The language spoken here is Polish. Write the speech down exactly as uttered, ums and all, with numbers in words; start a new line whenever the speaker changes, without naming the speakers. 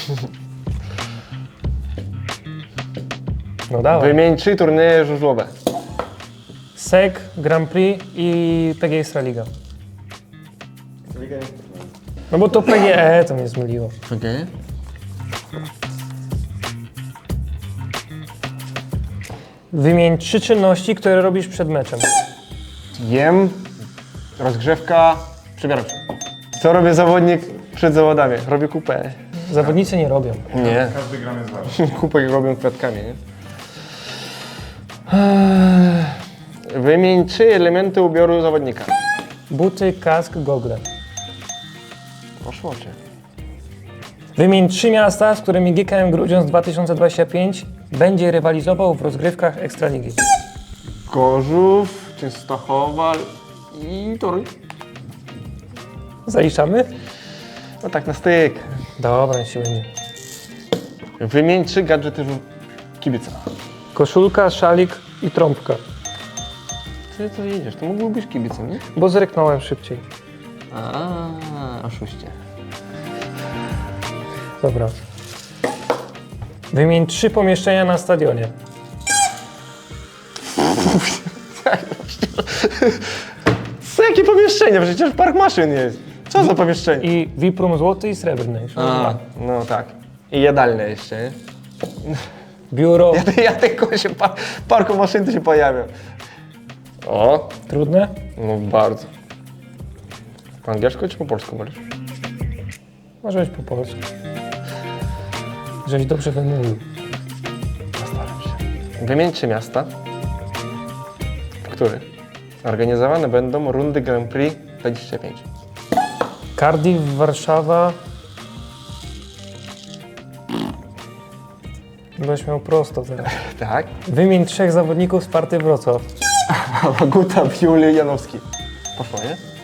No dawaj.
Wymień trzy turnieje żużlowe.
S E C, Grand Prix i P G Ekstraliga. No bo to P G E to mnie zmyliło.
Okej. Okay.
Wymień trzy czynności, które robisz przed meczem.
Jem, rozgrzewka, przebieram się. Co robi zawodnik przed zawodami? Robi kupę.
Zawodnicy nie robią.
Nie.
Każdy gram jest ważny.
Kupę robią kwiatkami, nie? Eee, Wymień trzy elementy ubioru zawodnika.
Buty, kask, gogle.
Poszło cię.
Wymień trzy miasta, z którymi G K M Grudziądz dwa tysiące dwudziesty piąty będzie rywalizował w rozgrywkach Ekstraligi.
Gorzów, Częstochowa i Toruń.
Zaliczamy?
No tak na styk.
Dobra, niech się będzie.
Wymień trzy gadżety kibica.
Koszulka, szalik i trąbka.
Ty to jedziesz, to mógłby być kibicem, nie?
Bo zreknąłem szybciej.
A, oszuście.
Dobra. Wymień trzy pomieszczenia na stadionie.
Co, jakie pomieszczenie? Przecież park maszyn jest. Co za pomieszczenie?
I V I P Room złoty i srebrny.
A, no tak. I jadalne jeszcze, nie?
Biuro.
Ja, ja tylko się par, parku maszyn to się pojawią. O,
Trudne?
no bardzo. Po angielsku czy po polsku mówisz?
Może być po polsku. Żeś dobrze wymówił.
Postaram się. Wymień trzy miasta, w których organizowane będą rundy Grand Prix dwadzieścia pięć.
Cardiff, Warszawa. Będziesz miał prosto teraz.
Tak.
Wymień trzech zawodników z Sparty Wrocław.
Waguta, Biuli, Janowski. Poszło, nie?